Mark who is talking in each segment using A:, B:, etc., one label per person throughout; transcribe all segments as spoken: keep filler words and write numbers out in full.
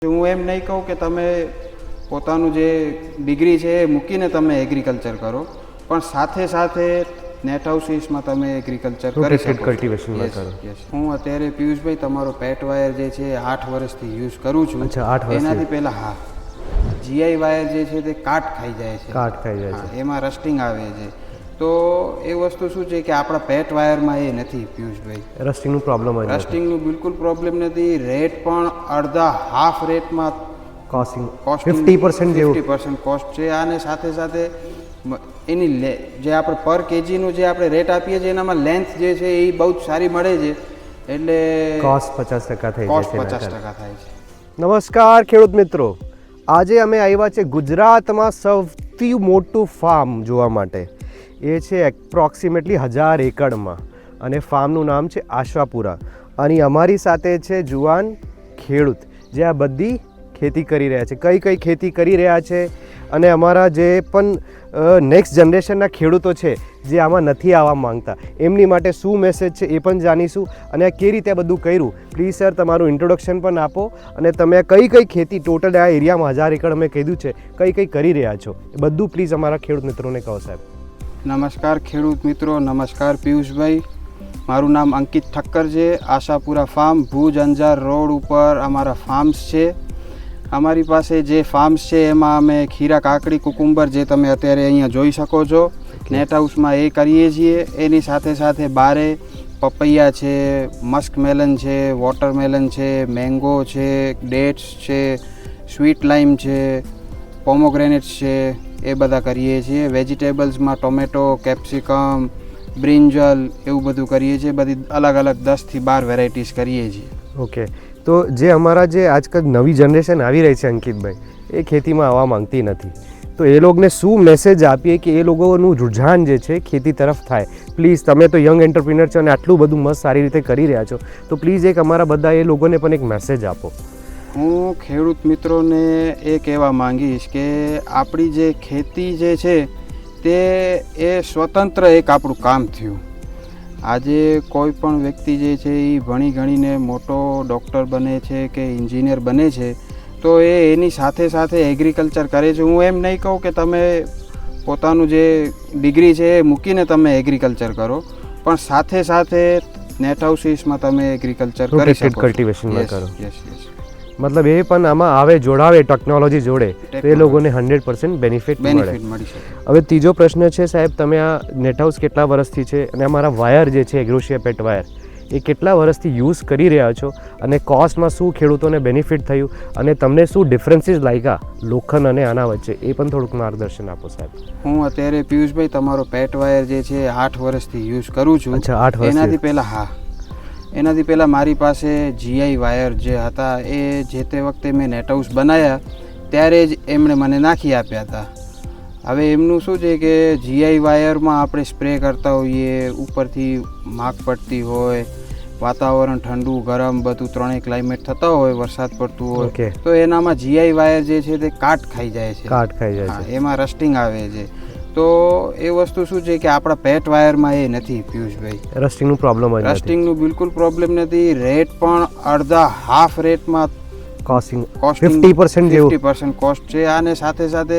A: હું એમ નહીં કહું કે તમે પોતાનું જે ડિગ્રી છે એ મૂકીને તમે એગ્રીકલ્ચર કરો, પણ સાથે સાથે નેટ હાઉસીસમાં તમે એગ્રીકલ્ચર કરી શકો
B: કલ્ટિવેશનમાં કરો.
A: હું અત્યારે પિયુષભાઈ તમારો પેટ વાયર જે છે આઠ વર્ષથી યુઝ કરું છું.
B: અચ્છા, આઠ વર્ષથી.
A: એનાથી પહેલાં હા, જીઆઈ વાયર જે છે તે કાટ ખાઈ જાય છે,
B: કાટ ખાઈ જાય છે,
A: એમાં રસ્ટિંગ આવે છે. તો એ વસ્તુ શું છે કે આપણા પેટ વાયરમાં એ નથી પિયુષભાઈ,
B: રસ્ટિંગનું પ્રોબ્લેમ હોય.
A: રસ્ટિંગનું બિલકુલ પ્રોબ્લેમ નથી. રેટ પણ અડધા હાફ રેટમાં
B: કોસ્ટિંગ
A: કોસ્ટ
B: ફિફ્ટી પર્સન્ટ જેવું
A: ફિફ્ટી પર્સન્ટ કોસ્ટ છે. આને સાથે સાથે એની લે જે આપણે પર કેજીનું જે આપણે રેટ આપીએ છીએ એનામાં લેન્થ જે છે એ બહુ જ સારી મળે છે, એટલે
B: કોસ્ટ પચાસ ટકા થઈ જાય
A: કોસ્ટ
B: છે.
A: પચાસ ટકા થાય છે.
B: નમસ્કાર ખેડૂત મિત્રો, આજે અમે આવ્યા છે ગુજરાતમાં સૌથી મોટું ફાર્મ જોવા માટે. એ છે એપ્રોક્સિમેટલી હજાર એકડમાં, અને ફાર્મનું નામ છે આશાપુરા. અને અમારી સાથે છે જુવાન ખેડૂત જે આ બધી ખેતી કરી રહ્યા છે. કઈ કઈ ખેતી કરી રહ્યા છે, અને અમારા જે પણ નેક્સ્ટ જનરેશનના ખેડૂતો છે જે આમાં નથી આવવા માંગતા, એમની માટે શું મેસેજ છે એ પણ જાણીશું. અને આ કઈ રીતે બધું કર્યું. પ્લીઝ સર, તમારું ઇન્ટ્રોડક્શન પણ આપો, અને તમે કઈ કઈ ખેતી ટોટલ આ એરિયામાં હજાર એકડ અમે કીધું છે કઈ કઈ કરી રહ્યા છો એ બધું પ્લીઝ અમારા ખેડૂત મિત્રોને કહો સાહેબ.
A: નમસ્કાર ખેડૂત મિત્રો, નમસ્કાર પિયુષભાઈ. મારું નામ અંકિત ઠક્કર છે. આશાપુરા ફાર્મ ભુજ અંજાર રોડ ઉપર અમારા ફાર્મ્સ છે. અમારી પાસે જે ફાર્મ્સ છે એમાં અમે ખીરા, કાકડી, કુકુંબર જે તમે અત્યારે અહીંયા જોઈ શકો છો નેટ હાઉસમાં એ કરીએ છીએ. એની સાથે સાથે બારે પપૈયા છે, મસ્ક મેલન છે, વોટરમેલન છે, મેંગો છે, ડેટ્સ છે, સ્વીટ લાઈમ છે, પોમોગ્રેનેટ્સ છે, એ બધા કરીએ છીએ. વેજીટેબલ્સમાં ટોમેટો, કેપ્સિકમ, બ્રિંજલ એવું બધું કરીએ છીએ. બધી અલગ અલગ દસથી બાર વેરાયટીઝ કરીએ છીએ.
B: ઓકે, તો જે અમારા જે આજકાલ નવી જનરેશન આવી રહી છે અંકિતભાઈ, એ ખેતીમાં આવવા માંગતી નથી, તો એ લોકોને શું મેસેજ આપીએ કે એ લોકોનું રુઝાન જે છે ખેતી તરફ થાય. પ્લીઝ, તમે તો યંગ એન્ટરપ્રિનર છો અને આટલું બધું મસ્ત સારી રીતે કરી રહ્યા છો, તો પ્લીઝ એક અમારા બધા એ લોકોને પણ એક મેસેજ આપો.
A: હું ખેડૂત મિત્રોને એ કહેવા માંગીશ કે આપણી જે ખેતી જે છે તે એ સ્વતંત્ર એક આપણું કામ થયું. આજે કોઈ પણ વ્યક્તિ જે છે એ ભણી ગણીને મોટો ડૉક્ટર બને છે કે એન્જિનિયર બને છે, તો એ એની સાથે સાથે એગ્રીકલ્ચર કરે છે. હું એમ નહીં કહું કે તમે પોતાનું જે ડિગ્રી છે એ મૂકીને તમે એગ્રીકલ્ચર કરો, પણ સાથે સાથે નેટ હાઉસીસમાં તમે એગ્રીકલ્ચર કરી શકો,
B: કલ્ટિવેશનમાં કરો.
A: યસ યસ
B: મતલબ એ પણ આમાં આવે, જોડાવે ટેકનોલોજી જોડે, તો એ લોકોને હંડ્રેડ પર્સન્ટ બેનિફિટ
A: બેનિફિટ મળી શકે.
B: હવે ત્રીજો પ્રશ્ન છે સાહેબ, તમે આ નેટ હાઉસ કેટલા વર્ષથી છે, અને અમારા વાયર જે છે એગ્રોશિયા પેટ વાયર એ કેટલા વર્ષથી યુઝ કરી રહ્યા છો, અને કોસ્ટમાં શું ખેડૂતોને બેનિફિટ થયું, અને તમને શું ડિફરન્સીસ લાગ્યા લોખંડ અને આના વચ્ચે, એ પણ થોડુંક માર્ગદર્શન આપો સાહેબ.
A: હું અત્યારે પિયુષભાઈ તમારો પેટ વાયર જે છે આઠ વર્ષથી યુઝ કરું છું.
B: અચ્છા, આઠ વર્ષ.
A: એનાથી પહેલાં હા એનાથી પહેલાં મારી પાસે જીઆઈ વાયર જે હતા એ જે તે વખતે મેં નેટ હાઉસ બનાવ્યા ત્યારે જ એમણે મને નાખી આપ્યા હતા. હવે એમનું શું છે કે જીઆઈ વાયરમાં આપણે સ્પ્રે કરતા હોઈએ, ઉપરથી માગ પડતી હોય, વાતાવરણ ઠંડુ ગરમ બધું ત્રણેય ક્લાઇમેટ થતા હોય, વરસાદ પડતું હોય, તો એનામાં જીઆઈ વાયર જે છે તે કાટ ખાઈ જાય છે,
B: કાટ ખાઈ જાય છે,
A: એમાં રસ્ટિંગ આવે છે. તો એ વસ્તુ શું છે કે આપણા પેટ વાયરમાં એ નથી પિયુષભાઈ,
B: રસ્ટિંગનું પ્રોબ્લેમ હોય.
A: રસ્ટિંગનું બિલકુલ પ્રોબ્લેમ નથી. રેટ પણ અડધા હાફ રેટમાં
B: કોસ્ટિંગ
A: કોસ્ટ
B: ફિફ્ટી પર્સન્ટ જેવું
A: ફિફ્ટી પર્સન્ટ કોસ્ટ છે. આને સાથે સાથે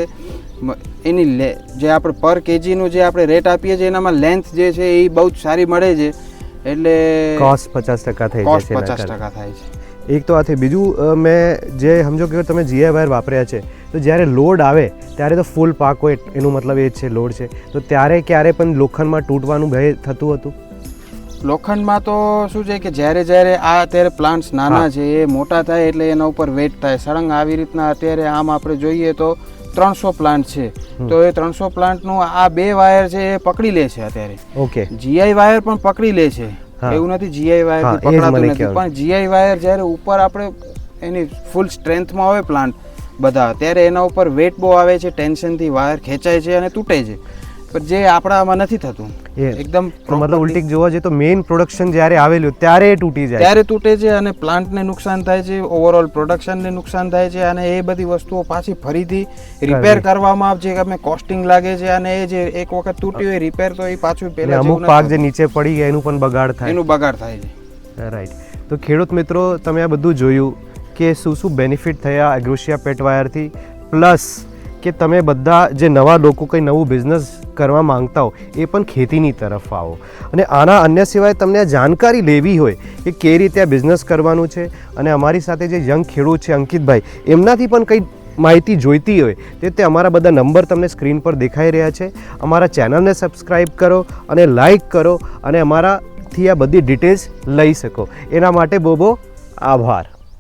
A: એની લે જે આપણે પર કેજીનું જે આપણે રેટ આપીએ છીએ એનામાં લેન્થ જે છે એ બહુ જ સારી મળે છે, એટલે
B: કોસ્ટ પચાસ ટકા થઈ જાય છે.
A: પચાસ ટકા થાય છે.
B: એક તો આ થઈ. બીજું મેં જે સમજો કે તમે જીઆઈ વાયર વાપર્યા છે, તો જ્યારે લોડ આવે ત્યારે તો ફૂલ પાક હોય, એનું મતલબ એ જ છે લોડ છે, તો ત્યારે ક્યારે પણ લોખંડમાં તૂટવાનું ભય થતું હતું?
A: લોખંડમાં તો શું છે કે જ્યારે જ્યારે આ અત્યારે પ્લાન્ટ્સ નાના છે એ મોટા થાય એટલે એના ઉપર વેટ થાય સળંગ. આવી રીતના અત્યારે આમ આપણે જોઈએ તો ત્રણસો પ્લાન્ટ છે, તો એ ત્રણસો પ્લાન્ટનું આ બે વાયર છે એ પકડી લે છે અત્યારે.
B: ઓકે,
A: જીઆઈ વાયર પણ પકડી લે છે, એવું નથી જીઆઈ વાયર પકડાતું નથી, પણ જીઆઈ વાયર જ્યારે ઉપર આપણે એની ફૂલ સ્ટ્રેન્થમાં હોય પ્લાન્ટ બધા, ત્યારે એના ઉપર વેટ બહુ આવે છે, ટેન્શનથી વાયર ખેંચાય છે અને તૂટે છે. પણ જે આપણામાં નથી થતું એકદમ.
B: મતલબ ઉલટી જોવા જઈએ તો મેઇન પ્રોડક્શન જ્યારે આવેલું ત્યારે એ તૂટી જાય,
A: ત્યારે તૂટે છે અને પ્લાન્ટને નુકસાન થાય છે, ઓવરઓલ પ્રોડક્શનને નુકસાન થાય છે, અને એ બધી વસ્તુઓ પાછી ફરીથી રિપેર કરવામાં આવે છે. અમે કોસ્ટિંગ લાગે છે, અને એ જે એક વખત તૂટ્યું હોય રિપેર તો એ પાછું પહેલા
B: અમુક પાક જે નીચે પડી ગયા એનું પણ બગાડ થાય,
A: એનું બગાડ થાય છે.
B: રાઈટ. તો ખેડૂત મિત્રો, તમે આ બધું જોયું કે શું શું બેનિફિટ થયા એગ્રોશિયા પેટ વાયરથી, પ્લસ કે તમે બધા જે નવા લોકો કંઈ નવું બિઝનેસ કરવા માંગતા હો એ પણ ખેતીની તરફ આવો. અને આના અન્ય સિવાય તમને આ જાણકારી લેવી હોય કે કઈ રીતે આ બિઝનેસ કરવાનું છે, અને અમારી સાથે જે યંગ ખેડૂત છે અંકિતભાઈ, એમનાથી પણ કંઈ માહિતી જોઈતી હોય તે તે અમારા બધા નંબર તમને સ્ક્રીન પર દેખાઈ રહ્યા છે. અમારા ચેનલને સબસ્ક્રાઈબ કરો અને લાઈક કરો અને અમારાથી આ બધી ડિટેલ્સ લઈ શકો. એના માટે બહુ બહુ આભાર.